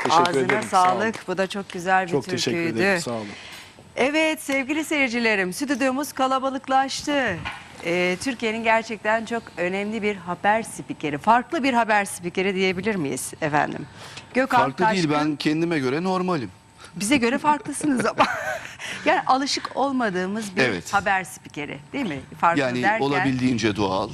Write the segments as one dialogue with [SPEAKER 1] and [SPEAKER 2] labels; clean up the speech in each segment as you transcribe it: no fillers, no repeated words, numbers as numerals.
[SPEAKER 1] Teşekkür
[SPEAKER 2] Ağzına
[SPEAKER 1] ederim.
[SPEAKER 2] sağlık. Bu da çok güzel bir
[SPEAKER 1] Çok
[SPEAKER 2] türküydü.
[SPEAKER 1] teşekkür ederim. Sağ olun.
[SPEAKER 2] Evet sevgili seyircilerim, stüdyomuz kalabalıklaştı. Türkiye'nin gerçekten çok önemli bir haber spikeri, farklı bir haber spikeri diyebilir miyiz efendim? Gökhan
[SPEAKER 3] Farklı değil,
[SPEAKER 2] Taşkın.
[SPEAKER 3] ben kendime göre normalim.
[SPEAKER 2] Bize göre farklısınız ama. Yani alışık olmadığımız bir
[SPEAKER 3] Evet.
[SPEAKER 2] haber spikeri değil mi? Farklı
[SPEAKER 3] Yani
[SPEAKER 2] derken,
[SPEAKER 3] olabildiğince doğal,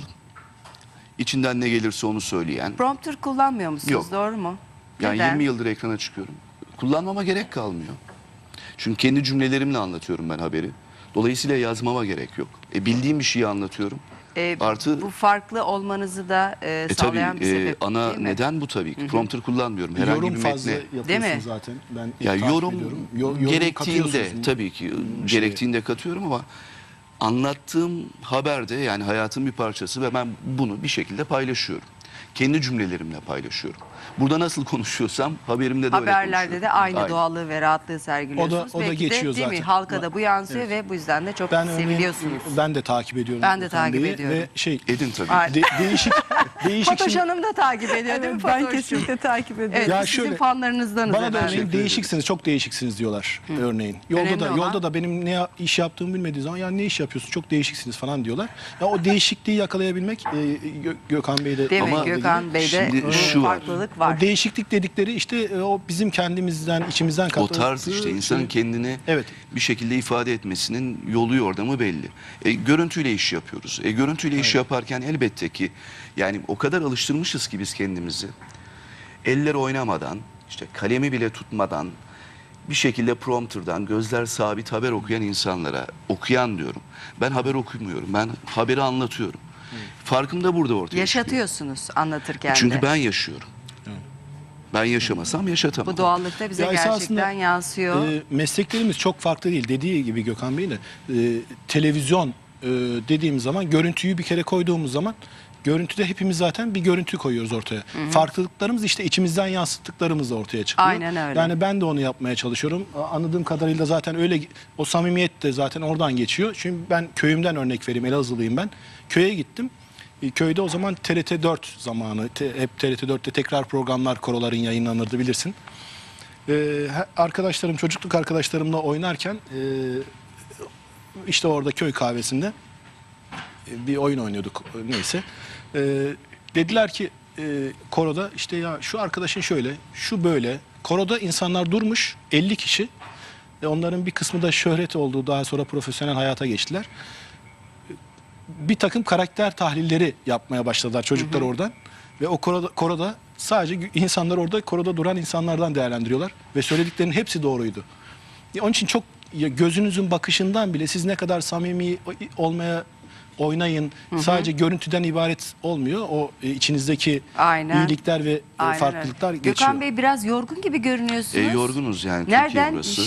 [SPEAKER 3] içinden ne gelirse onu söyleyen.
[SPEAKER 2] prompter kullanmıyor musunuz?
[SPEAKER 3] Yok.
[SPEAKER 2] Doğru mu?
[SPEAKER 3] Yani
[SPEAKER 2] Neden?
[SPEAKER 3] 20 yıldır ekrana çıkıyorum. Kullanmama gerek kalmıyor. Çünkü kendi cümlelerimle anlatıyorum ben haberi. Dolayısıyla yazmama gerek yok. Bildiğim bir şeyi anlatıyorum. Artı
[SPEAKER 2] bu farklı olmanızı da sağlayan bir sebep
[SPEAKER 3] ana
[SPEAKER 2] değil mi?
[SPEAKER 3] neden bu tabii ki. Prompter kullanmıyorum. Herhangi
[SPEAKER 1] Yorum
[SPEAKER 3] bir
[SPEAKER 1] fazla
[SPEAKER 3] metne.
[SPEAKER 2] Değil
[SPEAKER 1] yapıyorsun
[SPEAKER 2] mi?
[SPEAKER 1] zaten. Ben
[SPEAKER 3] Ya
[SPEAKER 1] takip
[SPEAKER 3] yorum
[SPEAKER 1] ediyorum. Yorum
[SPEAKER 3] gerektiğinde
[SPEAKER 1] katıyorsunuz.
[SPEAKER 3] tabii ki gerektiğinde katıyorum ama anlattığım haberde yani hayatın bir parçası ve ben bunu bir şekilde paylaşıyorum. Kendi cümlelerimle paylaşıyorum. Burada nasıl konuşuyorsam haberimde de öyle
[SPEAKER 2] Haberlerde
[SPEAKER 3] konuşuyorum.
[SPEAKER 2] de aynı doğallığı ve rahatlığı sergiliyorsunuz.
[SPEAKER 1] O da
[SPEAKER 2] Belki
[SPEAKER 1] geçiyor
[SPEAKER 2] de, değil mi?
[SPEAKER 1] zaten.
[SPEAKER 2] Halka da bu yansıyor ve bu yüzden de çok
[SPEAKER 1] Ben örneğin,
[SPEAKER 2] seviliyorsunuz.
[SPEAKER 1] ben de takip ediyorum.
[SPEAKER 2] Ben de
[SPEAKER 1] Gökhan
[SPEAKER 2] takip
[SPEAKER 1] Bey'i
[SPEAKER 2] ediyorum.
[SPEAKER 1] Ve
[SPEAKER 3] Edin tabii.
[SPEAKER 2] Ay,
[SPEAKER 1] değişik
[SPEAKER 2] Fatoş
[SPEAKER 1] şimdi-
[SPEAKER 2] Hanım da takip ediyor değil mi
[SPEAKER 4] Ben
[SPEAKER 2] Fatoş'cum?
[SPEAKER 4] kesinlikle takip ediyorum.
[SPEAKER 2] Evet,
[SPEAKER 1] Ya
[SPEAKER 2] biz sizin
[SPEAKER 1] şöyle,
[SPEAKER 2] fanlarınızdanız
[SPEAKER 1] Bana da
[SPEAKER 2] efendim.
[SPEAKER 1] örneğin değişiksiniz, çok değişiksiniz diyorlar örneğin.
[SPEAKER 2] Önemli olan-
[SPEAKER 1] Yolda da benim ne iş yaptığımı bilmediği zaman ya ne iş yapıyorsun çok değişiksiniz falan diyorlar. Ya o değişikliği yakalayabilmek Gökhan Bey'de
[SPEAKER 2] Değil mi?
[SPEAKER 3] Ama
[SPEAKER 2] Gökhan Bey'de
[SPEAKER 3] şimdi
[SPEAKER 2] bu
[SPEAKER 3] şu var.
[SPEAKER 2] farklılık var.
[SPEAKER 1] O değişiklik dedikleri işte o bizim kendimizden, içimizden
[SPEAKER 3] O
[SPEAKER 1] katıldığı
[SPEAKER 3] tarz işte insanın
[SPEAKER 1] şey.
[SPEAKER 3] kendini
[SPEAKER 1] Evet.
[SPEAKER 3] bir şekilde ifade etmesinin yolu yordamı belli. Görüntüyle iş yapıyoruz. Görüntüyle iş yaparken elbette ki yani o kadar alıştırmışız ki biz kendimizi. Eller oynamadan, işte kalemi bile tutmadan bir şekilde prompterdan gözler sabit haber okuyan insanlara, okuyan diyorum. Ben haber okumuyorum. Ben haberi anlatıyorum. Farkım da burada ortaya çıkıyor.
[SPEAKER 2] Yaşatıyorsunuz anlatırken
[SPEAKER 3] Çünkü
[SPEAKER 2] de.
[SPEAKER 3] ben yaşıyorum. Ben yaşamasam yaşatamam.
[SPEAKER 2] Bu doğallıkta bize
[SPEAKER 1] Ya esasında,
[SPEAKER 2] gerçekten yansıyor.
[SPEAKER 1] Mesleklerimiz çok farklı değil. Dediği gibi Gökhan Bey de televizyon dediğimiz zaman görüntüyü bir kere koyduğumuz zaman görüntüde hepimiz zaten bir görüntü koyuyoruz ortaya. Farklılıklarımız işte içimizden yansıttıklarımız da ortaya çıkıyor.
[SPEAKER 2] Aynen öyle.
[SPEAKER 1] Yani ben de onu yapmaya çalışıyorum. Anladığım kadarıyla zaten öyle o samimiyet de zaten oradan geçiyor. Çünkü ben köyümden örnek vereyim. Elazığlıyım ben. Köye gittim. Köyde o zaman TRT 4 zamanı, hep TRT 4'te tekrar programlar, koroların yayınlanırdı bilirsin. Arkadaşlarım, çocukluk arkadaşlarımla oynarken işte orada köy kahvesinde bir oyun oynuyorduk neyse. Dediler ki koroda işte ya şu arkadaşın şöyle, şu böyle. Koroda insanlar durmuş 50 kişi. Onların bir kısmı da şöhret olduğu daha sonra profesyonel hayata geçtiler. Bir takım karakter tahlilleri yapmaya başladılar çocuklar oradan. Ve o koroda sadece insanlar orada koroda duran insanlardan değerlendiriyorlar. Ve söylediklerinin hepsi doğruydu. Onun için çok gözünüzün bakışından bile siz ne kadar samimi olmaya oynayın. Sadece görüntüden ibaret olmuyor. O içinizdeki
[SPEAKER 2] Aynen.
[SPEAKER 1] iyilikler ve
[SPEAKER 2] Aynen
[SPEAKER 1] farklılıklar
[SPEAKER 2] öyle.
[SPEAKER 1] geçiyor.
[SPEAKER 2] Gökhan Bey biraz yorgun gibi görünüyorsunuz.
[SPEAKER 3] Yorgunuz yani Türkiye
[SPEAKER 2] Nereden?
[SPEAKER 3] burası.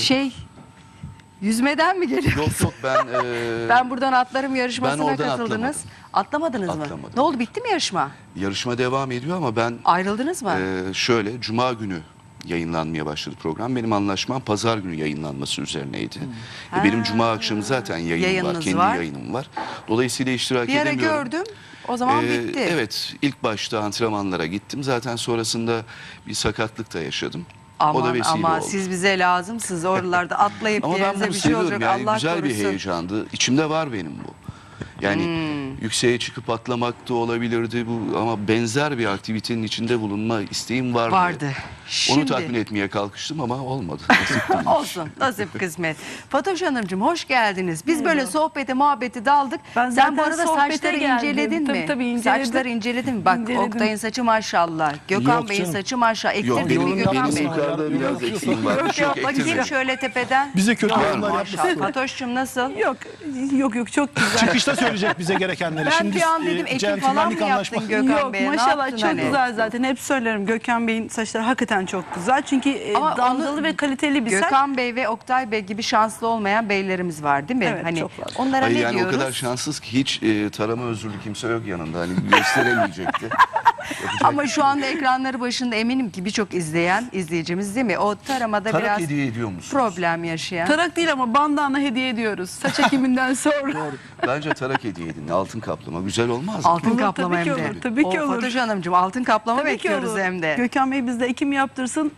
[SPEAKER 2] Yüzmeden mi geliyor?
[SPEAKER 3] Yok ben...
[SPEAKER 2] Ben buradan atlarım
[SPEAKER 3] Ben
[SPEAKER 2] yarışmasına
[SPEAKER 3] oradan
[SPEAKER 2] katıldınız.
[SPEAKER 3] atlamadım.
[SPEAKER 2] Atlamadınız mı?
[SPEAKER 3] Atlamadım.
[SPEAKER 2] Ne oldu, bitti mi yarışma?
[SPEAKER 3] Yarışma devam ediyor ama ben
[SPEAKER 2] Ayrıldınız mı?
[SPEAKER 3] şöyle Cuma günü yayınlanmaya başladı program. Benim anlaşmam Pazar günü yayınlanması üzerineydi. Benim Cuma akşamı zaten yayınım
[SPEAKER 2] Yayınınız
[SPEAKER 3] var. Kendi
[SPEAKER 2] var.
[SPEAKER 3] yayınım var. Dolayısıyla iştirak
[SPEAKER 2] Bir ara
[SPEAKER 3] edemiyorum.
[SPEAKER 2] gördüm. O zaman bitti.
[SPEAKER 3] Evet, ilk başta antrenmanlara gittim. Zaten sonrasında bir sakatlık da yaşadım. O da
[SPEAKER 2] Aman
[SPEAKER 3] vesile
[SPEAKER 2] ama
[SPEAKER 3] oldu.
[SPEAKER 2] siz bize lazımsınız. Oralarda atlayıp
[SPEAKER 3] Ama ben
[SPEAKER 2] yerinize
[SPEAKER 3] bunu
[SPEAKER 2] bir şey olacak.
[SPEAKER 3] seviyorum yani
[SPEAKER 2] Allah
[SPEAKER 3] güzel
[SPEAKER 2] korusun.
[SPEAKER 3] bir heyecandı. İçimde var benim bu. Yani yükseğe çıkıp atlamak da olabilirdi bu ama benzer bir aktivitenin içinde bulunma isteğim vardı.
[SPEAKER 2] Vardı.
[SPEAKER 3] Onu
[SPEAKER 2] Şimdi
[SPEAKER 3] tatmin etmeye kalkıştım ama olmadı. Nasip değilmiş.
[SPEAKER 2] olsun. Nasip kısmet. Fatoş Hanımcığım hoş geldiniz. Biz böyle sohbete muhabbete daldık.
[SPEAKER 4] Ben
[SPEAKER 2] Sen bu
[SPEAKER 4] zaten
[SPEAKER 2] arada
[SPEAKER 4] sohbete
[SPEAKER 2] saçları
[SPEAKER 4] geldim.
[SPEAKER 2] inceledin mi?
[SPEAKER 4] Tabii, inceledim.
[SPEAKER 2] Saçları inceledin mi? Bak
[SPEAKER 4] İnceledim.
[SPEAKER 2] Oktay'ın saçı maşallah. Gökhan
[SPEAKER 1] Yok
[SPEAKER 2] Bey'in
[SPEAKER 1] canım.
[SPEAKER 2] saçı maşallah.
[SPEAKER 3] Yok
[SPEAKER 2] Ektirdin mi
[SPEAKER 3] benim,
[SPEAKER 2] Gökhan
[SPEAKER 3] benim
[SPEAKER 2] Bey?
[SPEAKER 3] yukarıda biraz
[SPEAKER 1] Yok,
[SPEAKER 3] eksiğim var.
[SPEAKER 2] Yok
[SPEAKER 3] Yok
[SPEAKER 2] bakayım
[SPEAKER 3] ektirmedim.
[SPEAKER 2] şöyle tepeden.
[SPEAKER 1] Bize kötü yorumlar
[SPEAKER 2] Maşallah.
[SPEAKER 1] yapmasın.
[SPEAKER 2] Fatoş'cum nasıl?
[SPEAKER 4] Yok çok güzel.
[SPEAKER 1] Çıkışta söyleyecek bize gerekenleri.
[SPEAKER 2] Ben bir an dedim ekim falan mı yaptın Gökhan
[SPEAKER 4] Yok
[SPEAKER 2] Bey'e? Ne
[SPEAKER 4] maşallah
[SPEAKER 2] yaptın
[SPEAKER 4] çok
[SPEAKER 2] hani?
[SPEAKER 4] güzel zaten. Hep söylerim Gökhan Bey'in saçları hakikaten çok güzel. Çünkü
[SPEAKER 2] Ama
[SPEAKER 4] dalgalı
[SPEAKER 2] onu-
[SPEAKER 4] ve kaliteli bir saç.
[SPEAKER 2] Gökhan Bey ve Oktay Bey gibi şanslı olmayan beylerimiz var değil mi?
[SPEAKER 4] Evet,
[SPEAKER 2] Hani
[SPEAKER 4] çok fazla.
[SPEAKER 2] onlara
[SPEAKER 3] Hayır,
[SPEAKER 2] ne
[SPEAKER 3] yani
[SPEAKER 2] diyoruz?
[SPEAKER 3] o kadar şanssız ki hiç tarama özürlü kimse yok yanında. Hani gösteremeyecekti. Yapacak
[SPEAKER 2] Ama
[SPEAKER 3] bir
[SPEAKER 2] şu
[SPEAKER 3] şey yok.
[SPEAKER 2] anda ekranları başında eminim ki birçok izleyen izleyicimiz değil mi? O taramada
[SPEAKER 3] Tarak
[SPEAKER 2] biraz
[SPEAKER 3] hediye ediyor musunuz?
[SPEAKER 2] problem yaşayan.
[SPEAKER 4] Tarak değil ama bandana hediye ediyoruz. Saç ekiminden sonra.
[SPEAKER 3] Bence tarak hediye edin. Altın kaplama. Güzel olmaz mı?
[SPEAKER 2] Altın
[SPEAKER 4] Olur,
[SPEAKER 2] kaplama
[SPEAKER 4] tabii
[SPEAKER 2] hem
[SPEAKER 4] ki
[SPEAKER 2] de.
[SPEAKER 4] olur, tabii ki
[SPEAKER 2] O
[SPEAKER 4] olur.
[SPEAKER 2] Fatoş Hanımcığım altın kaplama
[SPEAKER 4] Tabii ki
[SPEAKER 2] bekliyoruz
[SPEAKER 4] olur.
[SPEAKER 2] hem de.
[SPEAKER 4] Gökhan Bey bizde ekim yaptırsın.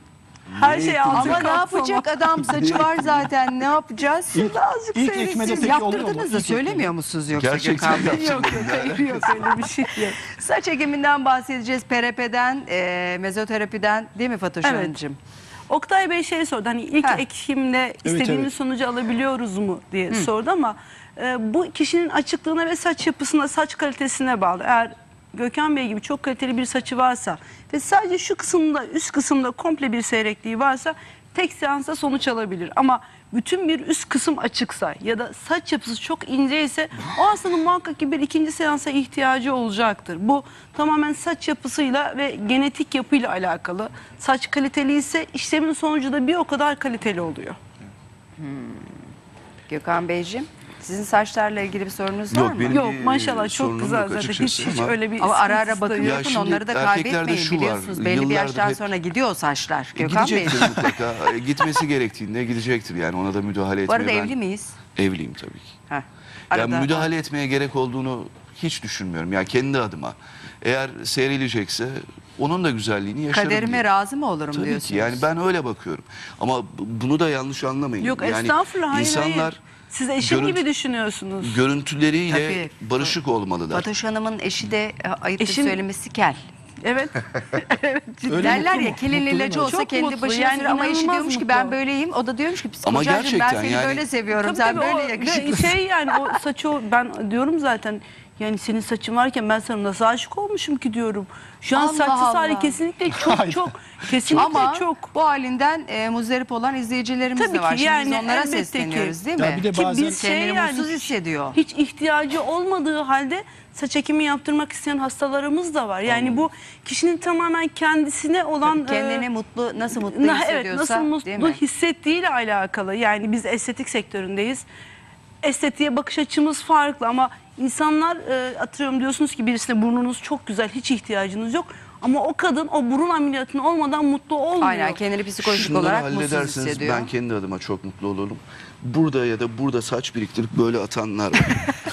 [SPEAKER 4] Her şey altın
[SPEAKER 2] Ama ne
[SPEAKER 4] kapsama.
[SPEAKER 2] yapacak adam, saçı var zaten, ne yapacağız?
[SPEAKER 4] Azıcık
[SPEAKER 1] İlk
[SPEAKER 4] seyretsin.
[SPEAKER 1] ekmede
[SPEAKER 2] Siz
[SPEAKER 1] peki oluyor mu?
[SPEAKER 2] yaptırdınız da
[SPEAKER 1] İlk
[SPEAKER 2] söylemiyor musunuz yoksa
[SPEAKER 3] Gerçekten
[SPEAKER 2] Gökhan Bey?
[SPEAKER 3] yaptım.
[SPEAKER 4] Yok hayır yok öyle bir şey yok.
[SPEAKER 2] Saç ekiminden bahsedeceğiz, PRP'den, mezoterapiden, değil mi Fatoş
[SPEAKER 4] Evet.
[SPEAKER 2] Hanımcığım?
[SPEAKER 4] Oktay Bey şey sordu, hani ilk
[SPEAKER 2] Heh.
[SPEAKER 4] ekimde istediğimiz
[SPEAKER 1] evet.
[SPEAKER 4] sonucu alabiliyoruz mu diye sordu ama bu kişinin açıklığına ve saç yapısına, saç kalitesine bağlı. Eğer Gökhan Bey gibi çok kaliteli bir saçı varsa ve sadece şu kısımda, üst kısımda komple bir seyrekliği varsa tek seansta sonuç alabilir. Ama bütün bir üst kısım açıksa ya da saç yapısı çok ince ise o hastanın muhakkak ki bir ikinci seansa ihtiyacı olacaktır. Bu tamamen saç yapısıyla ve genetik yapıyla alakalı. Saç kaliteli ise işlemin sonucu da bir o kadar kaliteli oluyor.
[SPEAKER 2] Gökhan Beyciğim, sizin saçlarla ilgili bir sorunuz var
[SPEAKER 3] Yok
[SPEAKER 2] mı?
[SPEAKER 3] benim
[SPEAKER 4] Yok
[SPEAKER 3] bir
[SPEAKER 4] maşallah çok
[SPEAKER 3] sorunum
[SPEAKER 4] güzel
[SPEAKER 3] yok
[SPEAKER 4] zaten
[SPEAKER 3] açıkçası
[SPEAKER 4] hiç
[SPEAKER 3] ama-
[SPEAKER 4] öyle bir
[SPEAKER 2] Ama ara ara
[SPEAKER 4] sıkıntısı da
[SPEAKER 2] bakın
[SPEAKER 4] yok.
[SPEAKER 3] Ya
[SPEAKER 2] yapın,
[SPEAKER 3] şimdi
[SPEAKER 2] onları da
[SPEAKER 3] erkeklerde
[SPEAKER 2] kaybetmeyin
[SPEAKER 3] şu var,
[SPEAKER 2] biliyorsunuz. Belli bir
[SPEAKER 3] yıllardır
[SPEAKER 2] yaştan
[SPEAKER 3] hep-
[SPEAKER 2] sonra gidiyor o saçlar. Gökhan Bey.
[SPEAKER 3] Gidecektir mutlaka. Gitmesi gerektiğinde gidecektir yani, ona da müdahale
[SPEAKER 2] Bu
[SPEAKER 3] etmeye
[SPEAKER 2] arada
[SPEAKER 3] ben
[SPEAKER 2] evli miyiz?
[SPEAKER 3] evliyim tabii ki.
[SPEAKER 2] Heh.
[SPEAKER 3] Ya
[SPEAKER 2] Arada-
[SPEAKER 3] müdahale etmeye gerek olduğunu hiç düşünmüyorum. Ya kendi adıma. Eğer seyrilecekse onun da güzelliğini yaşarım
[SPEAKER 2] Kaderime
[SPEAKER 3] diye.
[SPEAKER 2] razı mı olurum
[SPEAKER 3] Tabii
[SPEAKER 2] diyorsunuz?
[SPEAKER 3] ki yani ben öyle bakıyorum. Ama bunu da yanlış anlamayın.
[SPEAKER 4] Yok
[SPEAKER 3] yani
[SPEAKER 4] estağfurullah hayır
[SPEAKER 3] insanlar
[SPEAKER 4] hayır. Siz eşim
[SPEAKER 3] görüntü-
[SPEAKER 4] gibi düşünüyorsunuz.
[SPEAKER 3] görüntüleriyle
[SPEAKER 2] Tabii.
[SPEAKER 3] barışık olmalılar.
[SPEAKER 2] Fatoş Hanım'ın eşi de ayıptır
[SPEAKER 4] Eşim-
[SPEAKER 2] söylemesi kel.
[SPEAKER 4] Evet.
[SPEAKER 1] Öyle
[SPEAKER 2] Derler
[SPEAKER 1] mutlu
[SPEAKER 2] ya
[SPEAKER 1] mu?
[SPEAKER 2] kelin
[SPEAKER 1] Mutlu
[SPEAKER 2] ilacı
[SPEAKER 1] değil mi?
[SPEAKER 2] olsa
[SPEAKER 4] Çok
[SPEAKER 2] kendi
[SPEAKER 4] mutlu,
[SPEAKER 2] başına
[SPEAKER 4] yani
[SPEAKER 2] sürüyor ama eşi
[SPEAKER 4] inanılmaz
[SPEAKER 2] diyormuş ki
[SPEAKER 4] mutlu.
[SPEAKER 2] ben böyleyim. O da diyormuş ki
[SPEAKER 3] Ama
[SPEAKER 2] psikolojim ben
[SPEAKER 3] gerçekten
[SPEAKER 2] seni
[SPEAKER 3] yani-
[SPEAKER 2] böyle seviyorum.
[SPEAKER 4] Tabii,
[SPEAKER 2] Sen
[SPEAKER 4] tabii,
[SPEAKER 2] böyle
[SPEAKER 4] o-
[SPEAKER 2] yakışıklısın.
[SPEAKER 4] Şey yani o saçı ben diyorum zaten yani senin saçın varken ben sana nasıl aşık olmuşum ki diyorum. Şu an
[SPEAKER 2] Allah
[SPEAKER 4] saçsız hali
[SPEAKER 2] Allah.
[SPEAKER 4] kesinlikle çok
[SPEAKER 1] Hayır.
[SPEAKER 4] çok kesinlikle
[SPEAKER 2] Ama
[SPEAKER 4] çok.
[SPEAKER 2] bu halinden muzdarip olan izleyicilerimiz
[SPEAKER 4] Tabii
[SPEAKER 2] de var.
[SPEAKER 4] ki,
[SPEAKER 2] Şimdi biz
[SPEAKER 4] yani
[SPEAKER 2] onlara
[SPEAKER 4] elbette ki.
[SPEAKER 2] sesleniyoruz değil
[SPEAKER 1] Ya
[SPEAKER 2] mi?
[SPEAKER 1] bir de
[SPEAKER 4] Ki
[SPEAKER 1] bazen
[SPEAKER 4] biz
[SPEAKER 2] Kendini
[SPEAKER 4] yani
[SPEAKER 2] mutsuz hissediyor.
[SPEAKER 4] Hiç ihtiyacı olmadığı halde saç ekimi yaptırmak isteyen hastalarımız da var. Yani bu kişinin tamamen kendisine olan
[SPEAKER 2] Kendini nasıl mutlu
[SPEAKER 4] evet,
[SPEAKER 2] hissediyorsa
[SPEAKER 4] nasıl
[SPEAKER 2] değil
[SPEAKER 4] mutlu
[SPEAKER 2] mi?
[SPEAKER 4] hissettiğiyle alakalı. Yani biz estetik sektöründeyiz. Estetiğe bakış açımız farklı ama insanlar atıyorum diyorsunuz ki birisine burnunuz çok güzel, hiç ihtiyacınız yok. Ama o kadın o burun ameliyatının olmadan mutlu olmuyor.
[SPEAKER 2] Aynen, kendini psikolojik
[SPEAKER 3] Şunları
[SPEAKER 2] olarak mutsuz
[SPEAKER 3] hallederseniz
[SPEAKER 2] hissediyor.
[SPEAKER 3] ben kendi adıma çok mutlu olurum. Burada ya da burada saç biriktirip böyle atanlar var.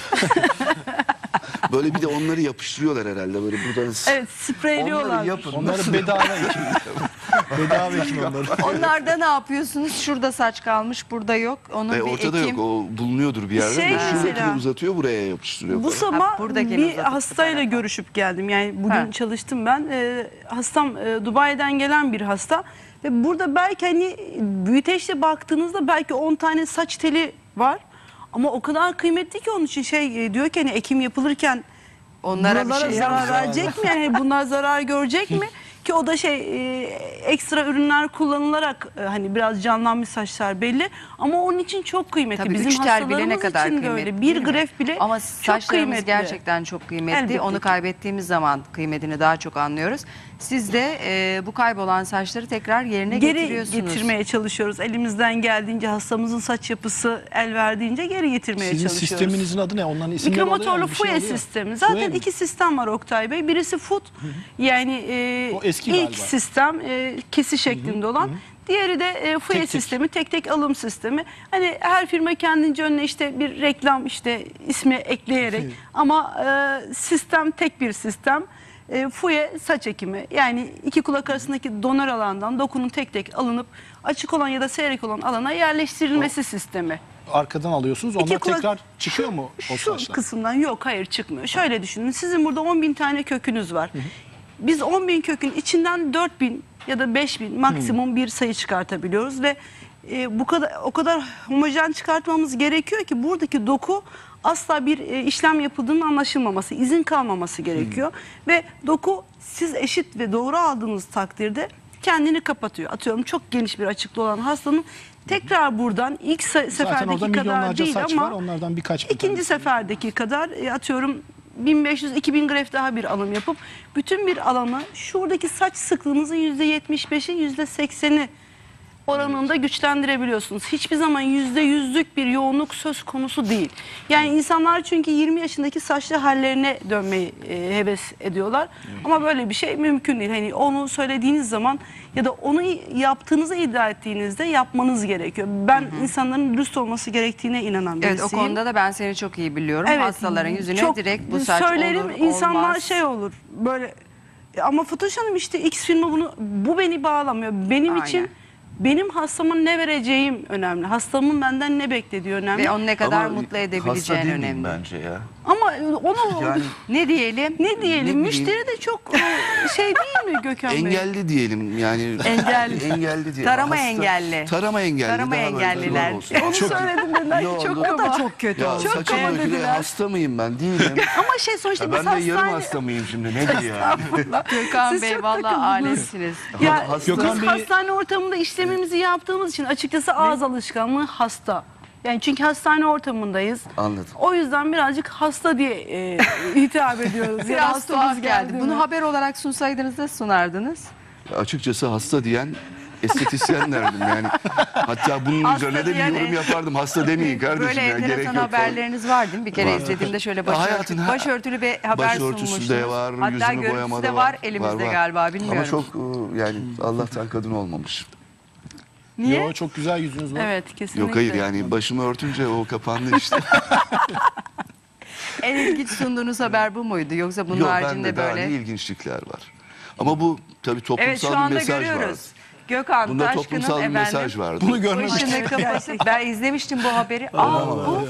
[SPEAKER 3] Böyle bir de onları yapıştırıyorlar herhalde böyle buradan.
[SPEAKER 4] Evet, spreyliyorlar.
[SPEAKER 3] Onları yapın.
[SPEAKER 1] onları bedava ekim. bedava ekim onları.
[SPEAKER 2] Onlarda ne yapıyorsunuz? Şurada saç kalmış, burada yok. Onun bir
[SPEAKER 3] Ortada
[SPEAKER 2] ekim.
[SPEAKER 3] yok, o bulunuyordur bir yerde.
[SPEAKER 4] Şey
[SPEAKER 3] de şuradakini
[SPEAKER 4] mesela-
[SPEAKER 3] uzatıyor, buraya yapıştırıyor.
[SPEAKER 4] Bu
[SPEAKER 3] falan.
[SPEAKER 4] sabah
[SPEAKER 2] buradakini
[SPEAKER 4] bir
[SPEAKER 2] uzatıp
[SPEAKER 4] hastayla
[SPEAKER 2] bu tarafa.
[SPEAKER 4] görüşüp geldim. Yani bugün
[SPEAKER 2] Ha.
[SPEAKER 4] çalıştım ben. Hastam Dubai'den gelen bir hasta. Ve burada belki hani büyüteçle baktığınızda belki 10 tane saç teli var. Ama o kadar kıymetli ki onun için diyor ki hani ekim yapılırken
[SPEAKER 2] Onlara bir
[SPEAKER 4] buralara
[SPEAKER 2] şey
[SPEAKER 4] zarar
[SPEAKER 2] yapmıyor.
[SPEAKER 4] verecek mi? Yani bunlar zarar görecek mi? Ki o da ekstra ürünler kullanılarak hani biraz canlanmış saçlar belli. Ama onun için çok kıymetli.
[SPEAKER 2] Tabii
[SPEAKER 4] Bizim
[SPEAKER 2] 3 tel bile ne
[SPEAKER 4] hastalarımız
[SPEAKER 2] kadar
[SPEAKER 4] için de
[SPEAKER 2] kıymetli
[SPEAKER 4] öyle.
[SPEAKER 2] değil
[SPEAKER 4] Bir
[SPEAKER 2] mi?
[SPEAKER 4] gref bile
[SPEAKER 2] Ama
[SPEAKER 4] çok
[SPEAKER 2] saçlarımız
[SPEAKER 4] kıymetli.
[SPEAKER 2] gerçekten çok kıymetli.
[SPEAKER 4] Elbette
[SPEAKER 2] Onu
[SPEAKER 4] ki.
[SPEAKER 2] kaybettiğimiz zaman kıymetini daha çok anlıyoruz. Siz de bu kaybolan saçları tekrar yerine
[SPEAKER 4] Geri
[SPEAKER 2] getiriyorsunuz.
[SPEAKER 4] getirmeye çalışıyoruz. Elimizden geldiğince hastamızın saç yapısı el verdiğince geri getirmeye
[SPEAKER 1] Sizin
[SPEAKER 4] çalışıyoruz.
[SPEAKER 1] sisteminizin adı ne? Onların isimleri oluyor
[SPEAKER 4] Mikromotorlu
[SPEAKER 1] mu? Bir şey
[SPEAKER 4] FUE
[SPEAKER 1] oluyor.
[SPEAKER 4] sistemi. Zaten
[SPEAKER 1] FUE mi?
[SPEAKER 4] iki sistem var Oktay Bey. Birisi FUT yani
[SPEAKER 1] O eski
[SPEAKER 4] ilk
[SPEAKER 1] galiba.
[SPEAKER 4] sistem kesi şeklinde olan. Diğeri de FUE
[SPEAKER 1] Tek tek.
[SPEAKER 4] sistemi, tek tek alım sistemi. Hani her firma kendince önüne işte bir reklam işte ismi ekleyerek ama sistem tek bir sistem. FUE saç ekimi yani iki kulak arasındaki donör alandan dokunun tek tek alınıp açık olan ya da seyrek olan alana yerleştirilmesi sistemi.
[SPEAKER 1] Arkadan alıyorsunuz.
[SPEAKER 4] İki
[SPEAKER 1] Onlar
[SPEAKER 4] kulak-
[SPEAKER 1] tekrar çıkıyor mu o
[SPEAKER 4] Şu
[SPEAKER 1] saçlar?
[SPEAKER 4] kısımdan yok hayır çıkmıyor. Şöyle düşünün sizin burada 10.000 tane kökünüz var. Biz 10.000 kökün içinden 4.000 ya da 5.000 maksimum bir sayı çıkartabiliyoruz ve o kadar homojen çıkartmamız gerekiyor ki buradaki doku asla bir işlem yapıldığının anlaşılmaması, izin kalmaması gerekiyor. Ve doku siz eşit ve doğru aldığınız takdirde kendini kapatıyor. Atıyorum çok geniş bir açıklığı olan hastanın tekrar buradan ilk
[SPEAKER 1] Zaten orada
[SPEAKER 4] seferdeki kadar
[SPEAKER 1] milyonlarca
[SPEAKER 4] değil
[SPEAKER 1] saç
[SPEAKER 4] ama
[SPEAKER 1] var. Onlardan birkaç bin
[SPEAKER 4] İkinci
[SPEAKER 1] tanesi.
[SPEAKER 4] seferdeki kadar atıyorum 1500-2000 gref daha bir alım yapıp bütün bir alanı şuradaki saç sıklığınızın %75'i %80'i oranında güçlendirebiliyorsunuz. Hiçbir zaman %100'lük bir yoğunluk söz konusu değil. Yani insanlar çünkü 20 yaşındaki saçlı hallerine dönmeyi heves ediyorlar. Ama böyle bir şey mümkün değil. Hani onu söylediğiniz zaman ya da onu yaptığınızı iddia ettiğinizde yapmanız gerekiyor. Ben insanların dürüst olması gerektiğine inanan
[SPEAKER 2] Evet,
[SPEAKER 4] birisiyim.
[SPEAKER 2] o konuda da ben seni çok iyi biliyorum. Hastaların yüzüne
[SPEAKER 4] çok
[SPEAKER 2] direkt bu saç
[SPEAKER 4] söylerim,
[SPEAKER 2] olur
[SPEAKER 4] insanlar
[SPEAKER 2] olmaz.
[SPEAKER 4] şey olur böyle ama Fatoş Hanım işte X firma bu beni bağlamıyor. Benim
[SPEAKER 2] Aynen.
[SPEAKER 4] için benim hastama ne vereceğim önemli. Hastamın benden ne beklediği önemli.
[SPEAKER 2] Ve onu ne kadar
[SPEAKER 3] Ama
[SPEAKER 2] mutlu
[SPEAKER 3] hasta
[SPEAKER 2] edebileceğin
[SPEAKER 3] değil miyim
[SPEAKER 2] önemli.
[SPEAKER 3] bence ya.
[SPEAKER 4] Ama onu
[SPEAKER 3] Yani
[SPEAKER 2] Ne diyelim?
[SPEAKER 4] ne diyelim?
[SPEAKER 3] bileyim.
[SPEAKER 4] Müşteri de çok şey değil mi Gökhan Bey?
[SPEAKER 3] engelli diyelim yani.
[SPEAKER 4] Engelli.
[SPEAKER 3] Engelli diyelim.
[SPEAKER 2] Tarama engelli.
[SPEAKER 3] Tarama engelli.
[SPEAKER 2] Tarama
[SPEAKER 3] daha böyle
[SPEAKER 2] engelliler.
[SPEAKER 3] doğru olsun.
[SPEAKER 4] Onu söyledim dediler ki
[SPEAKER 3] Yo,
[SPEAKER 4] çok
[SPEAKER 3] o
[SPEAKER 2] O da
[SPEAKER 4] kaba.
[SPEAKER 2] çok kötü
[SPEAKER 3] Ya
[SPEAKER 2] oldu.
[SPEAKER 3] saçma
[SPEAKER 4] kaba
[SPEAKER 3] dökülüyor.
[SPEAKER 4] dediler.
[SPEAKER 3] Hasta mıyım ben? Değilim.
[SPEAKER 4] Ama şey sonuçta
[SPEAKER 3] Ya
[SPEAKER 4] biz
[SPEAKER 3] ben de yarım
[SPEAKER 4] hastane...
[SPEAKER 3] hasta mıyım şimdi? Nedir yani?
[SPEAKER 2] Gökhan
[SPEAKER 4] Siz
[SPEAKER 2] Bey
[SPEAKER 4] çok
[SPEAKER 2] valla
[SPEAKER 4] takıldınız.
[SPEAKER 2] aletsiniz.
[SPEAKER 4] Ya
[SPEAKER 3] Hasta-
[SPEAKER 1] Gökhan
[SPEAKER 4] biz
[SPEAKER 1] Bey-
[SPEAKER 4] hastane ortamında işlemimizi yaptığımız için açıkçası ağız alışkanlığı hasta. Yani çünkü hastane ortamındayız.
[SPEAKER 3] Anladım.
[SPEAKER 4] O yüzden birazcık hasta diye hitap ediyoruz. Yani
[SPEAKER 2] Biraz
[SPEAKER 4] hastamız
[SPEAKER 2] tuhaf geldi.
[SPEAKER 4] mi?
[SPEAKER 2] Bunu haber olarak sunsaydınız da sunardınız.
[SPEAKER 3] Açıkçası hasta diyen estetisyen derdim yani. Hatta bunun
[SPEAKER 2] Hasta
[SPEAKER 3] üzerine de bir
[SPEAKER 2] diyen
[SPEAKER 3] yorum yapardım. Hasta demeyin kardeşim
[SPEAKER 2] Böyle
[SPEAKER 3] ya. Gerek
[SPEAKER 2] enteresan
[SPEAKER 3] yok.
[SPEAKER 2] haberleriniz var değil mi? Bir kere
[SPEAKER 3] Var.
[SPEAKER 2] izlediğimde şöyle
[SPEAKER 3] Ya hayatın her-
[SPEAKER 2] başörtülü bir haber
[SPEAKER 3] Başörtüsü
[SPEAKER 2] sunmuştunuz.
[SPEAKER 3] de var,
[SPEAKER 2] Hatta
[SPEAKER 3] yüzünü
[SPEAKER 2] görüntüsü
[SPEAKER 3] boyama
[SPEAKER 2] de
[SPEAKER 3] da
[SPEAKER 2] var elimizde
[SPEAKER 3] var.
[SPEAKER 2] galiba bilmiyorum.
[SPEAKER 3] Ama çok yani Allah'tan kadın olmamış.
[SPEAKER 2] Niye?
[SPEAKER 1] Yo, çok güzel yüzünüz var.
[SPEAKER 4] Evet kesinlikle.
[SPEAKER 3] Yok hayır yani başımı örtünce o kapandı işte.
[SPEAKER 2] En ilginç sunduğunuz haber bu muydu? Yoksa bunun
[SPEAKER 3] Yok
[SPEAKER 2] haricinde
[SPEAKER 3] bende daha
[SPEAKER 2] böyle...
[SPEAKER 3] ne ilginçlikler var. Ama bu tabii toplumsal
[SPEAKER 2] Evet şu
[SPEAKER 3] bir
[SPEAKER 2] anda
[SPEAKER 3] mesaj
[SPEAKER 2] görüyoruz.
[SPEAKER 3] var.
[SPEAKER 2] Gökhan
[SPEAKER 3] Bunda
[SPEAKER 2] Taşkın'ın
[SPEAKER 3] toplumsal bir mesaj vardı.
[SPEAKER 1] Bunu görmek
[SPEAKER 2] başını
[SPEAKER 1] için.
[SPEAKER 2] kapatıp ben izlemiştim bu haberi. Bu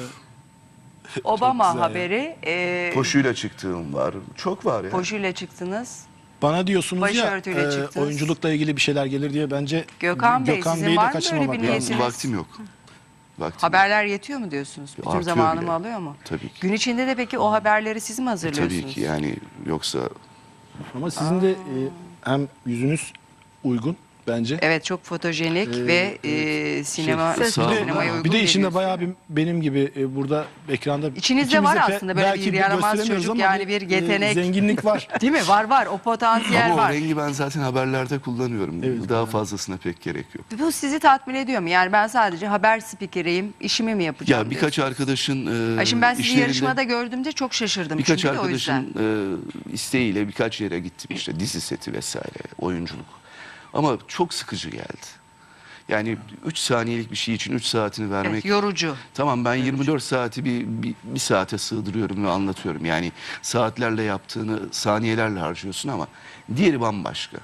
[SPEAKER 2] Obama
[SPEAKER 1] güzel ya.
[SPEAKER 2] haberi.
[SPEAKER 3] Poşuyla çıktığım var. Çok var ya.
[SPEAKER 2] Poşuyla çıktınız.
[SPEAKER 1] Bana diyorsunuz
[SPEAKER 2] Başörtüyle
[SPEAKER 1] ya
[SPEAKER 2] çıktınız.
[SPEAKER 1] oyunculukla ilgili bir şeyler gelir diye bence
[SPEAKER 2] Gökhan Bey, sizin
[SPEAKER 1] Bey'i de
[SPEAKER 2] var mı
[SPEAKER 1] kaçırmamak
[SPEAKER 2] böyle bir
[SPEAKER 1] lazım.
[SPEAKER 2] niyetiniz?
[SPEAKER 3] Vaktim yok. Vaktim
[SPEAKER 2] Haberler yetiyor mu diyorsunuz? Bütün
[SPEAKER 3] Artıyor
[SPEAKER 2] zamanımı
[SPEAKER 3] bile.
[SPEAKER 2] alıyor mu?
[SPEAKER 3] Tabii ki.
[SPEAKER 2] Gün içinde de peki o haberleri siz mi hazırlıyorsunuz?
[SPEAKER 3] Tabii ki yani yoksa
[SPEAKER 1] Ama sizin de hem yüzünüz uygun bence.
[SPEAKER 2] Evet çok fotojenik ve sinemaya
[SPEAKER 3] sağ olun.
[SPEAKER 2] uygun
[SPEAKER 1] Bir de içinde
[SPEAKER 2] geliyorsun.
[SPEAKER 1] bayağı bir benim gibi burada ekranda
[SPEAKER 2] İçinizde
[SPEAKER 1] ikimiz
[SPEAKER 2] var
[SPEAKER 1] de
[SPEAKER 2] aslında böyle
[SPEAKER 1] belki
[SPEAKER 2] bir yaramaz
[SPEAKER 1] gösteremiyoruz
[SPEAKER 2] çocuk,
[SPEAKER 1] ama
[SPEAKER 2] yani bir yetenek.
[SPEAKER 1] zenginlik var.
[SPEAKER 2] Değil mi? Var. O potansiyel
[SPEAKER 3] ama o
[SPEAKER 2] var.
[SPEAKER 3] rengi ben zaten haberlerde kullanıyorum.
[SPEAKER 1] Evet,
[SPEAKER 3] Daha fazlasına pek gerek yok.
[SPEAKER 2] Bu sizi tatmin ediyor mu? Yani ben sadece haber spikeriyim, işimi mi yapacağım?
[SPEAKER 3] Ya birkaç arkadaşın
[SPEAKER 2] Ay şimdi ben sizi
[SPEAKER 3] işlerinde-
[SPEAKER 2] yarışmada gördüğümde çok şaşırdım.
[SPEAKER 3] birkaç
[SPEAKER 2] çünkü de o yüzden.
[SPEAKER 3] arkadaşın isteğiyle birkaç yere gittim işte dizi seti vesaire, oyunculuk. Ama çok sıkıcı geldi. Yani 3 saniyelik bir şey için 3 saatini vermek.
[SPEAKER 2] Evet, yorucu.
[SPEAKER 3] Tamam ben 24 saati bir saate sığdırıyorum ve anlatıyorum. Yani saatlerle yaptığını saniyelerle harcıyorsun ama diğeri bambaşka.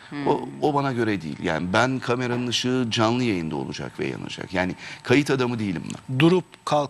[SPEAKER 3] O bana göre değil. Yani ben kameranın ışığı canlı yayında olacak ve yanacak. Yani kayıt adamı değilim ben.
[SPEAKER 1] Durup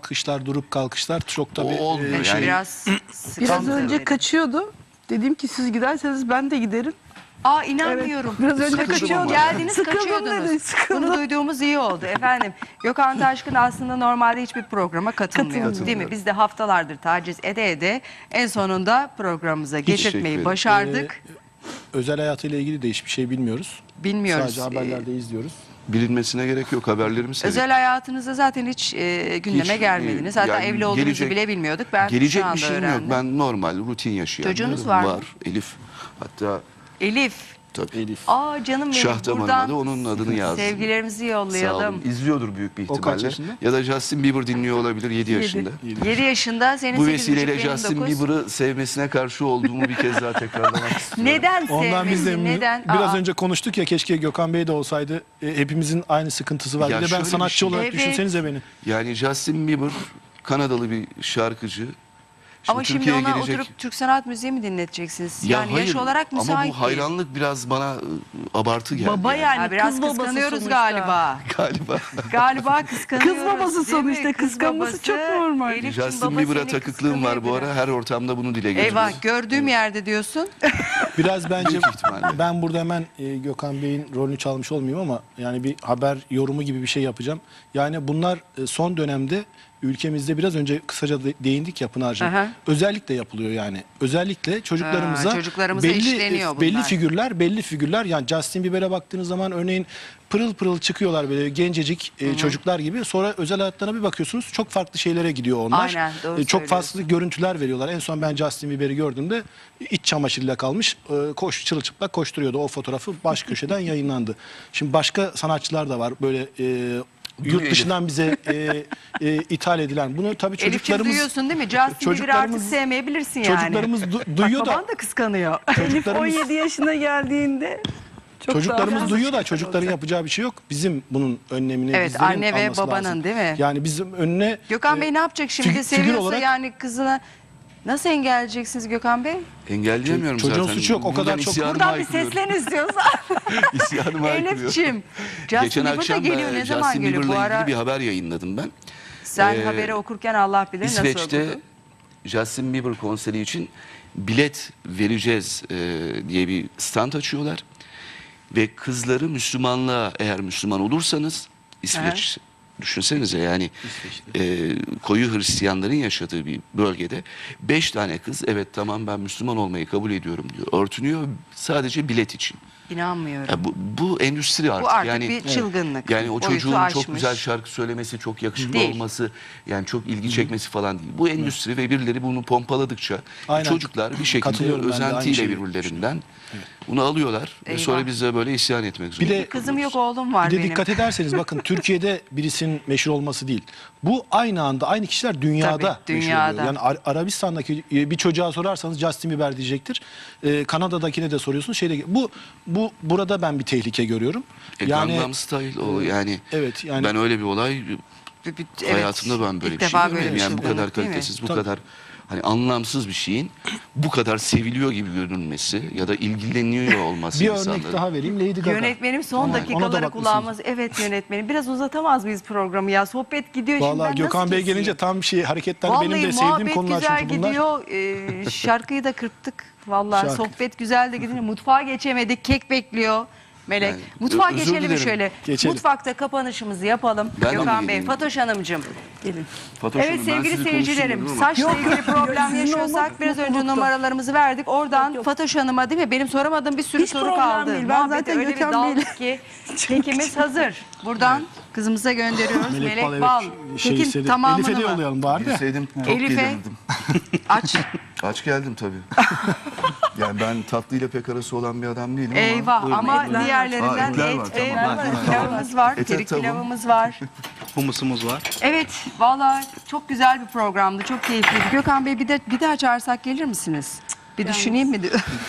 [SPEAKER 1] kalkışlar çok tabii
[SPEAKER 3] O olmuyor.
[SPEAKER 2] Evet,
[SPEAKER 3] Yani-
[SPEAKER 2] biraz sıkıntı.
[SPEAKER 4] Biraz önce kaçıyordu. Dedim ki siz giderseniz ben de giderim.
[SPEAKER 2] Aa inanmıyorum.
[SPEAKER 4] Evet, biraz önce
[SPEAKER 2] Sıkıldım
[SPEAKER 4] kaçıyordu.
[SPEAKER 2] ama. Geldiniz
[SPEAKER 4] Sıkıldım
[SPEAKER 2] kaçıyordunuz.
[SPEAKER 4] dedi, sıkıldım.
[SPEAKER 2] Bunu duyduğumuz iyi oldu efendim. Gökhan Taşkın aslında normalde hiçbir programa katılmıyor.
[SPEAKER 3] Katılmıyor.
[SPEAKER 2] Değil mi? Biz de haftalardır taciz ede en sonunda programımıza
[SPEAKER 3] teşekkür
[SPEAKER 2] getirtmeyi
[SPEAKER 3] ederim.
[SPEAKER 2] başardık.
[SPEAKER 1] özel hayatıyla ilgili de hiçbir şey bilmiyoruz.
[SPEAKER 2] Bilmiyoruz.
[SPEAKER 1] Sadece haberlerde izliyoruz.
[SPEAKER 3] Bilinmesine gerek yok. Haberlerimi seyredin.
[SPEAKER 2] Özel hayatınızda zaten hiç gündeme
[SPEAKER 3] Hiç,
[SPEAKER 2] gelmediniz. Hatta
[SPEAKER 3] yani
[SPEAKER 2] evli olduğunuzu
[SPEAKER 3] gelecek-
[SPEAKER 2] bile bilmiyorduk. Ben
[SPEAKER 3] Gelecek
[SPEAKER 2] şu anda
[SPEAKER 3] bir şeyim
[SPEAKER 2] öğrendim.
[SPEAKER 3] yok. Ben normal, rutin yaşayan.
[SPEAKER 2] Çocuğunuz var mı?
[SPEAKER 3] Var. Elif. Hatta
[SPEAKER 2] Elif.
[SPEAKER 3] tabii.
[SPEAKER 1] Elif.
[SPEAKER 2] Aa canım benim.
[SPEAKER 3] Şahtem
[SPEAKER 2] Buradan
[SPEAKER 3] Hanım'a da onun adını yazdım.
[SPEAKER 2] sevgilerimizi
[SPEAKER 3] Sağ
[SPEAKER 2] yollayalım.
[SPEAKER 3] olun. İzliyordur büyük bir
[SPEAKER 1] O kaç
[SPEAKER 3] ihtimalle.
[SPEAKER 1] yaşında?
[SPEAKER 3] Ya da Justin Bieber dinliyor olabilir 7 yaşında.
[SPEAKER 2] 7 yaşında, senin
[SPEAKER 3] Bu
[SPEAKER 2] 8,5,
[SPEAKER 3] vesileyle
[SPEAKER 2] benim
[SPEAKER 3] Justin
[SPEAKER 2] 9.
[SPEAKER 3] Bieber'ı sevmesine karşı olduğumu bir kez daha tekrarlamak istiyorum.
[SPEAKER 2] Neden
[SPEAKER 1] Ondan biz de
[SPEAKER 2] sevmesin? Neden?
[SPEAKER 1] biraz
[SPEAKER 2] Aa.
[SPEAKER 1] önce konuştuk ya, keşke Gökhan Bey de olsaydı. Hepimizin aynı sıkıntısı var.
[SPEAKER 3] Ya
[SPEAKER 1] Bir de ben
[SPEAKER 3] şöyle bir
[SPEAKER 1] sanatçı
[SPEAKER 3] şey-
[SPEAKER 1] olarak
[SPEAKER 2] Evet.
[SPEAKER 1] düşünsenize beni.
[SPEAKER 3] Yani Justin Bieber Kanadalı bir şarkıcı.
[SPEAKER 2] Ama şimdi
[SPEAKER 3] Türkiye'ye
[SPEAKER 2] ona
[SPEAKER 3] gelecek.
[SPEAKER 2] oturup Türk sanat müziği mi dinleteceksiniz?
[SPEAKER 3] Ya
[SPEAKER 2] Yani
[SPEAKER 3] hayır,
[SPEAKER 2] yaş olarak müsait
[SPEAKER 3] ama bu
[SPEAKER 2] değil.
[SPEAKER 3] hayranlık biraz bana abartı geldi.
[SPEAKER 4] Baba yani
[SPEAKER 2] Ha, biraz
[SPEAKER 4] kız babası
[SPEAKER 2] kıskanıyoruz
[SPEAKER 4] sonuçta.
[SPEAKER 2] galiba.
[SPEAKER 3] Galiba.
[SPEAKER 2] Galiba kıskanıyoruz.
[SPEAKER 4] Kız babası
[SPEAKER 2] değil mi?
[SPEAKER 4] sonuçta,
[SPEAKER 2] Kız
[SPEAKER 4] kıskanması
[SPEAKER 2] babası.
[SPEAKER 4] çok normal.
[SPEAKER 2] Elif'cim,
[SPEAKER 3] Justin
[SPEAKER 2] baba
[SPEAKER 3] Bieber'a
[SPEAKER 2] seni
[SPEAKER 3] takıklığım var bu
[SPEAKER 2] kıskanıyor
[SPEAKER 3] ara.
[SPEAKER 2] biraz.
[SPEAKER 3] Her ortamda bunu dile getiriyorum.
[SPEAKER 2] Eyvah, gördüğüm yerde diyorsun.
[SPEAKER 1] Biraz bence
[SPEAKER 3] Büyük ihtimalle.
[SPEAKER 1] ben burada hemen Gökhan Bey'in rolünü çalmış olmayayım ama yani bir haber yorumu gibi bir şey yapacağım. Yani bunlar son dönemde ülkemizde biraz önce kısaca değindik ya Pınar'cığım.
[SPEAKER 2] Aha.
[SPEAKER 1] Özellikle yapılıyor yani. Özellikle çocuklarımıza,
[SPEAKER 2] çocuklarımıza işleniyor bunlar.
[SPEAKER 1] belli figürler yani Justin Bieber'e baktığınız zaman örneğin pırıl pırıl çıkıyorlar böyle gencecik çocuklar gibi. Sonra özel hayatlarına bir bakıyorsunuz çok farklı şeylere gidiyor onlar.
[SPEAKER 2] Aynen, doğru
[SPEAKER 1] Çok
[SPEAKER 2] söylüyorsun.
[SPEAKER 1] farklı görüntüler veriyorlar. En son ben Justin Bieber'i gördüğümde iç çamaşırıyla kalmış. Çırılçıplak koşturuyordu. O fotoğrafı baş köşeden yayınlandı. Şimdi başka sanatçılar da var böyle yurt dışından bize ithal edilen. Bunu tabii
[SPEAKER 2] Elif'ciğim
[SPEAKER 1] çocuklarımız
[SPEAKER 2] duyuyorsun değil mi? Justin Bieber'ı artık
[SPEAKER 1] çocuklarımız-
[SPEAKER 2] sevmeyebilirsin yani.
[SPEAKER 1] çocuklarımız duyuyor
[SPEAKER 2] Bak,
[SPEAKER 1] da
[SPEAKER 2] baban da kıskanıyor.
[SPEAKER 4] Elif
[SPEAKER 1] çocuklarımız
[SPEAKER 4] 17 yaşına geldiğinde çok
[SPEAKER 1] çocuklarımız
[SPEAKER 4] daha
[SPEAKER 1] duyuyor da çocukların yapacağı bir şey yok. Bizim bunun önlemini
[SPEAKER 2] Evet,
[SPEAKER 1] bizlerin
[SPEAKER 2] anne ve
[SPEAKER 1] alması
[SPEAKER 2] babanın
[SPEAKER 1] lazım.
[SPEAKER 2] değil mi?
[SPEAKER 1] Yani bizim önüne
[SPEAKER 2] Gökhan Bey ne yapacak şimdi?
[SPEAKER 1] figür
[SPEAKER 2] Seviyorsa
[SPEAKER 1] olarak-
[SPEAKER 2] yani kızına Nasıl engelleyeceksiniz Gökhan Bey?
[SPEAKER 3] Engelleyemiyorum
[SPEAKER 1] Çocuğun
[SPEAKER 3] zaten.
[SPEAKER 1] suçu yok, o kadar
[SPEAKER 3] Buradan
[SPEAKER 1] çok-
[SPEAKER 3] isyanımı
[SPEAKER 2] Buradan bir
[SPEAKER 3] haykırıyorum.
[SPEAKER 2] seslen istiyorsan.
[SPEAKER 3] İsyanımı haykırıyorum.
[SPEAKER 2] Elif'ciğim, Justin
[SPEAKER 3] Geçen
[SPEAKER 2] Bieber da
[SPEAKER 3] akşam
[SPEAKER 2] geliyor. Ne zaman
[SPEAKER 3] Justin
[SPEAKER 2] geliyor? Bu
[SPEAKER 3] Bieber'la
[SPEAKER 2] ara
[SPEAKER 3] ilgili bir haber yayınladım ben.
[SPEAKER 2] sen haberi okurken Allah bilir nasıl
[SPEAKER 3] İsveç'te
[SPEAKER 2] okudun?
[SPEAKER 3] Justin Bieber konseri için bilet vereceğiz diye bir stand açıyorlar. Ve kızları Müslümanlığa, eğer Müslüman olursanız, İsveç düşünsenize yani koyu Hristiyanların yaşadığı bir bölgede 5 tane kız evet tamam ben Müslüman olmayı kabul ediyorum diyor. Örtünüyor sadece bilet için.
[SPEAKER 2] İnanmıyorum.
[SPEAKER 3] Ya bu endüstri artık.
[SPEAKER 2] Bu artık
[SPEAKER 3] yani,
[SPEAKER 2] bir çılgınlık.
[SPEAKER 3] Yani o
[SPEAKER 2] Boyutu
[SPEAKER 3] çocuğun
[SPEAKER 2] aşmış.
[SPEAKER 3] çok güzel şarkı söylemesi, çok yakışıklı
[SPEAKER 2] Değil.
[SPEAKER 3] olması, yani çok ilgi çekmesi falan değil. Bu endüstri ve birileri bunu pompaladıkça
[SPEAKER 1] Aynen.
[SPEAKER 3] çocuklar bir şekilde
[SPEAKER 1] Katılıyorum ben de, aynı
[SPEAKER 3] özentiyle
[SPEAKER 1] şeyi
[SPEAKER 3] birbirlerinden bunu alıyorlar ve
[SPEAKER 2] Eyvah.
[SPEAKER 3] sonra biz de böyle isyan etmek
[SPEAKER 1] Bir
[SPEAKER 3] zorundayız.
[SPEAKER 1] de
[SPEAKER 2] Kızım yok, oğlum var
[SPEAKER 1] Bir de
[SPEAKER 2] benim.
[SPEAKER 1] dikkat ederseniz bakın Türkiye'de birisinin meşhur olması değil. Bu aynı anda aynı kişiler dünyada,
[SPEAKER 2] Tabii,
[SPEAKER 1] meşhur
[SPEAKER 2] dünyada.
[SPEAKER 1] oluyor. Yani Arabistan'daki bir çocuğa sorarsanız Justin Bieber diyecektir. Kanada'dakine de soruyorsunuz. Bu burada ben bir tehlike görüyorum.
[SPEAKER 3] Gangnam Style o yani,
[SPEAKER 1] evet, yani-
[SPEAKER 3] ben öyle bir olay
[SPEAKER 2] Evet,
[SPEAKER 3] hayatımda ben böyle
[SPEAKER 2] ilk
[SPEAKER 3] bir şey
[SPEAKER 2] defa böyle
[SPEAKER 3] görmedim.
[SPEAKER 2] bir
[SPEAKER 3] Yani bu kadar
[SPEAKER 2] çılgınlık değil mi?
[SPEAKER 3] kalitesiz, bu
[SPEAKER 1] Tabii.
[SPEAKER 3] kadar hani anlamsız bir şeyin bu kadar seviliyor gibi görünmesi ya da ilgileniyor olması
[SPEAKER 1] Bir
[SPEAKER 3] insanların.
[SPEAKER 1] örnek daha vereyim. Lady Gaga.
[SPEAKER 2] Yönetmenim son
[SPEAKER 1] Ona da
[SPEAKER 2] dakikaları
[SPEAKER 1] bakmışsınız.
[SPEAKER 2] kulağımız. Evet yönetmenim. Biraz uzatamaz mıyız programı ya? Sohbet gidiyor şimdi.
[SPEAKER 1] Vallahi
[SPEAKER 2] ben
[SPEAKER 1] Gökhan
[SPEAKER 2] nasıl
[SPEAKER 1] Bey
[SPEAKER 2] keseyim?
[SPEAKER 1] gelince tam şey hareketler
[SPEAKER 2] Vallahi
[SPEAKER 1] benim de sevdiğim
[SPEAKER 2] muhabbet
[SPEAKER 1] konular
[SPEAKER 2] güzel
[SPEAKER 1] çünkü bunlar.
[SPEAKER 2] gidiyor. Şarkıyı da kırptık. Vallahi
[SPEAKER 1] Şarkı.
[SPEAKER 2] sohbet güzel de gidiyor. Mutfağa geçemedik. Kek bekliyor. Melek.
[SPEAKER 3] Yani,
[SPEAKER 2] Mutfağa
[SPEAKER 3] özür
[SPEAKER 2] geçelim mi
[SPEAKER 3] dilerim.
[SPEAKER 2] şöyle?
[SPEAKER 1] Geçelim.
[SPEAKER 2] Mutfakta kapanışımızı yapalım.
[SPEAKER 3] Ben de mi
[SPEAKER 2] Gökhan Bey,
[SPEAKER 3] geleyim?
[SPEAKER 2] Fatoş Hanımcığım.
[SPEAKER 4] Gelin.
[SPEAKER 3] Fatoş
[SPEAKER 2] Evet
[SPEAKER 3] Hanım, ben
[SPEAKER 2] sevgili
[SPEAKER 3] sizi
[SPEAKER 2] seyircilerim,
[SPEAKER 3] konuşturmuyorum ama-
[SPEAKER 2] saçla ilgili problem
[SPEAKER 4] Sizin
[SPEAKER 2] yaşıyorsak
[SPEAKER 4] olmak
[SPEAKER 2] biraz önce
[SPEAKER 4] mutluluktu.
[SPEAKER 2] numaralarımızı verdik. Oradan
[SPEAKER 4] Yok.
[SPEAKER 2] Fatoş Hanım'a değil mi? Benim soramadığım bir sürü
[SPEAKER 4] Hiç
[SPEAKER 2] soru
[SPEAKER 4] problem
[SPEAKER 2] kaldı.
[SPEAKER 4] değil. Ben
[SPEAKER 2] Muhabbete
[SPEAKER 4] zaten
[SPEAKER 2] öyle bir
[SPEAKER 4] Gökhan
[SPEAKER 2] daldık ki kekimiz hazır. Buradan kızımıza gönderiyoruz. Melek Bal.
[SPEAKER 1] Şey
[SPEAKER 2] Kekin
[SPEAKER 1] istedi.
[SPEAKER 2] tamamını
[SPEAKER 1] Elif'e de
[SPEAKER 2] mı?
[SPEAKER 1] yollayalım bari de.
[SPEAKER 3] Bilseydim çok
[SPEAKER 2] Elif'e-
[SPEAKER 3] gelirdim.
[SPEAKER 2] Aç.
[SPEAKER 3] Aç geldim tabii. Yani ben tatlıyla pek arası olan bir adam değilim ama.
[SPEAKER 2] Eyvah
[SPEAKER 3] buyurun.
[SPEAKER 2] ama
[SPEAKER 4] Etler var.
[SPEAKER 2] diğerlerinden
[SPEAKER 3] Etler var,
[SPEAKER 2] et ve
[SPEAKER 3] tamam.
[SPEAKER 2] pilavımız var.
[SPEAKER 3] Ete
[SPEAKER 2] Kerik
[SPEAKER 3] tamam.
[SPEAKER 2] pilavımız var.
[SPEAKER 5] Humusumuz var.
[SPEAKER 2] Evet, vallahi çok güzel bir programdı. Çok keyifliydi. Gökhan Bey bir daha çağırsak gelir misiniz? Bir düşüneyim mi?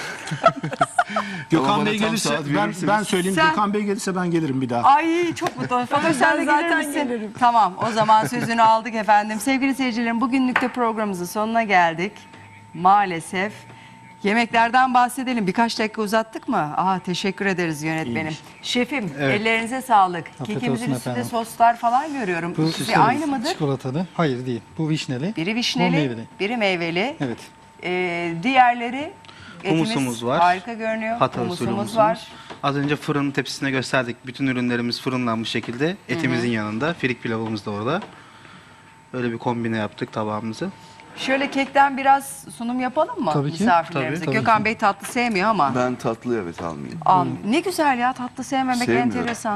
[SPEAKER 1] Gökhan
[SPEAKER 3] bana
[SPEAKER 1] Bey
[SPEAKER 3] tam
[SPEAKER 1] gelirse
[SPEAKER 3] saat
[SPEAKER 1] ben
[SPEAKER 3] verirseniz.
[SPEAKER 1] söyleyeyim.
[SPEAKER 2] Sen-
[SPEAKER 1] Gökhan Bey gelirse ben gelirim bir daha.
[SPEAKER 2] Ay çok mutlu oldum. Fatoş sen de
[SPEAKER 4] Ben
[SPEAKER 2] gelir
[SPEAKER 4] zaten
[SPEAKER 2] misin?
[SPEAKER 4] gelirim.
[SPEAKER 2] Tamam, o zaman sözünü aldık efendim. Sevgili seyircilerim, bugünlük de programımızın sonuna geldik. Maalesef. Yemeklerden bahsedelim. Birkaç dakika uzattık mı? Teşekkür ederiz yönetmenim.
[SPEAKER 1] İyiymiş.
[SPEAKER 2] Şefim,
[SPEAKER 5] Evet.
[SPEAKER 2] ellerinize sağlık.
[SPEAKER 5] Afiyet
[SPEAKER 2] Kekimizin
[SPEAKER 5] olsun
[SPEAKER 2] üstünde
[SPEAKER 5] efendim.
[SPEAKER 2] soslar falan görüyorum.
[SPEAKER 5] Bu
[SPEAKER 2] İkisi aynı mıdır?
[SPEAKER 5] Çikolatalı. Hayır değil. Bu vişneli.
[SPEAKER 2] Biri
[SPEAKER 5] Bu
[SPEAKER 2] vişneli,
[SPEAKER 5] meyveli.
[SPEAKER 2] biri meyveli.
[SPEAKER 5] Evet.
[SPEAKER 2] Diğerleri etimiz
[SPEAKER 5] Humusumuz var.
[SPEAKER 2] harika görünüyor.
[SPEAKER 5] Hatay usulü
[SPEAKER 2] Humusumuz
[SPEAKER 5] humusumuz.
[SPEAKER 2] var.
[SPEAKER 5] Az önce fırın tepsisine gösterdik. Bütün ürünlerimiz fırınlanmış şekilde. Etimizin yanında. Firik pilavımız da orada. Öyle bir kombine yaptık tabağımızı.
[SPEAKER 2] Şöyle kekten biraz sunum yapalım mı
[SPEAKER 5] Tabii ki,
[SPEAKER 2] misafirlerimize?
[SPEAKER 5] tabii
[SPEAKER 2] Gökhan
[SPEAKER 5] ki.
[SPEAKER 2] Bey tatlı sevmiyor ama.
[SPEAKER 3] Ben tatlı evet almayayım.
[SPEAKER 2] Ne güzel ya, tatlı sevmemek
[SPEAKER 3] Sevmiyorum.
[SPEAKER 2] enteresan.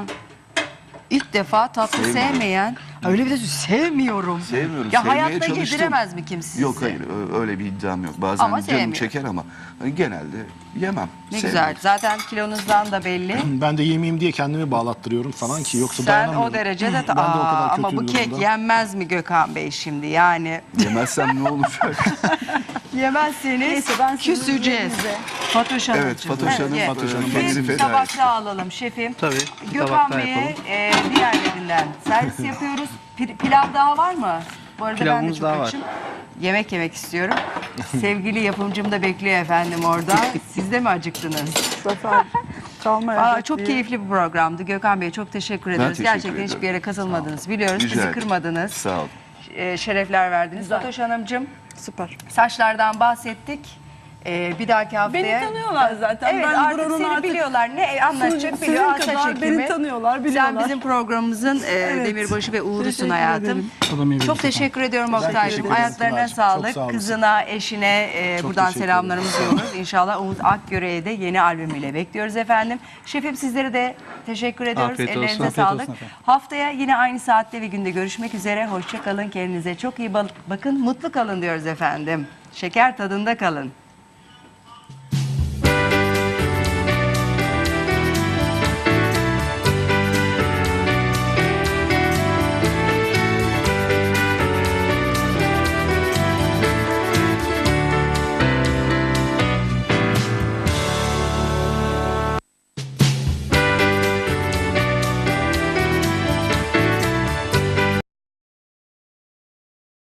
[SPEAKER 2] İlk defa tatlı
[SPEAKER 3] Sevmiyorum.
[SPEAKER 2] sevmeyen, öyle bir de sevmiyorum.
[SPEAKER 3] Sevmiyorum.
[SPEAKER 2] Ya
[SPEAKER 3] sevmeye
[SPEAKER 2] hayatta
[SPEAKER 3] çalıştım.
[SPEAKER 2] yediremez mi kimse size?
[SPEAKER 3] Yok hayır öyle bir iddiam yok. Bazen
[SPEAKER 2] Ama
[SPEAKER 3] canım
[SPEAKER 2] sevmiyor.
[SPEAKER 3] çeker ama hani genelde yemem.
[SPEAKER 2] Ne
[SPEAKER 3] Sevmiyorum.
[SPEAKER 2] güzel. Zaten kilonuzdan da belli.
[SPEAKER 1] Ben de yemeyeyim diye kendimi bağlattırıyorum falan ki yoksa
[SPEAKER 2] Sen
[SPEAKER 1] dayanamıyorum.
[SPEAKER 2] o derecede
[SPEAKER 1] Ben de o kadar
[SPEAKER 2] ama
[SPEAKER 1] kötü
[SPEAKER 2] bu
[SPEAKER 1] bir
[SPEAKER 2] kek
[SPEAKER 1] durumda.
[SPEAKER 2] yenmez mi Gökhan Bey şimdi yani?
[SPEAKER 3] Yemezsem ne olacak?
[SPEAKER 2] Yemezseniz
[SPEAKER 4] Neyse, ben sizin
[SPEAKER 2] küseceğiz.
[SPEAKER 4] üzerinize-
[SPEAKER 2] Fatoş Hanımcığım.
[SPEAKER 3] Evet, Fatoş Hanım,
[SPEAKER 2] Evet.
[SPEAKER 3] Fatoş Hanım
[SPEAKER 2] Bir
[SPEAKER 3] kendini feda
[SPEAKER 2] tabakta alalım şefim.
[SPEAKER 5] Tabii, bir
[SPEAKER 2] Gökhan
[SPEAKER 5] tabakta
[SPEAKER 2] Bey'e
[SPEAKER 5] yapalım.
[SPEAKER 2] diğerlerinden servis yapıyoruz. Pilav daha var mı? Bu arada ben de
[SPEAKER 5] Pilavımız
[SPEAKER 2] çok
[SPEAKER 5] daha var.
[SPEAKER 2] açım. Yemek yemek istiyorum. Sevgili yapımcım da bekliyor efendim orada. Siz de mi acıktınız?
[SPEAKER 4] Zafer çalmaya
[SPEAKER 2] Aa, çok keyifli bir programdı. Gökhan Bey çok teşekkür ederiz.
[SPEAKER 3] teşekkür
[SPEAKER 2] Gerçekten
[SPEAKER 3] ederim.
[SPEAKER 2] hiçbir yere katılmadınız. Biliyoruz
[SPEAKER 3] Rica
[SPEAKER 2] bizi
[SPEAKER 3] ederim.
[SPEAKER 2] kırmadınız.
[SPEAKER 3] Sağ olun.
[SPEAKER 2] Şerefler verdiniz. Fatoş Hanımcığım,
[SPEAKER 4] Süper.
[SPEAKER 2] saçlardan bahsettik. Bir dahaki haftaya...
[SPEAKER 4] Beni tanıyorlar zaten.
[SPEAKER 2] Evet
[SPEAKER 4] ben
[SPEAKER 2] artık
[SPEAKER 4] buranın
[SPEAKER 2] seni biliyorlar. Ne anlatacak
[SPEAKER 4] Sizin
[SPEAKER 2] biliyor. Saç
[SPEAKER 4] kadar
[SPEAKER 2] ekimi.
[SPEAKER 4] beni tanıyorlar, biliyorlar.
[SPEAKER 2] Sen bizim programımızın demirbaşı ve uğrusun
[SPEAKER 4] Teşekkür
[SPEAKER 2] hayatım.
[SPEAKER 4] ederim.
[SPEAKER 2] Çok teşekkür ediyorum Oktay'cığım.
[SPEAKER 1] teşekkür ederim
[SPEAKER 2] Ayaklarına
[SPEAKER 1] Pınar'cığım.
[SPEAKER 2] sağlık.
[SPEAKER 1] Çok sağ olasın.
[SPEAKER 2] Kızına, eşine buradan
[SPEAKER 1] teşekkür
[SPEAKER 2] selamlarımızı yolluyoruz. İnşallah Umut Akgöre'ye de yeni albümüyle bekliyoruz efendim. Şefim sizlere de teşekkür ediyoruz.
[SPEAKER 5] Afiyet olsun,
[SPEAKER 2] Ellerinize
[SPEAKER 5] afiyet
[SPEAKER 2] sağlık.
[SPEAKER 5] olsun efendim.
[SPEAKER 2] Haftaya yine aynı saatte ve günde görüşmek üzere. Hoşça kalın. Kendinize çok iyi bakın. Mutlu kalın diyoruz efendim. Şeker tadında kalın.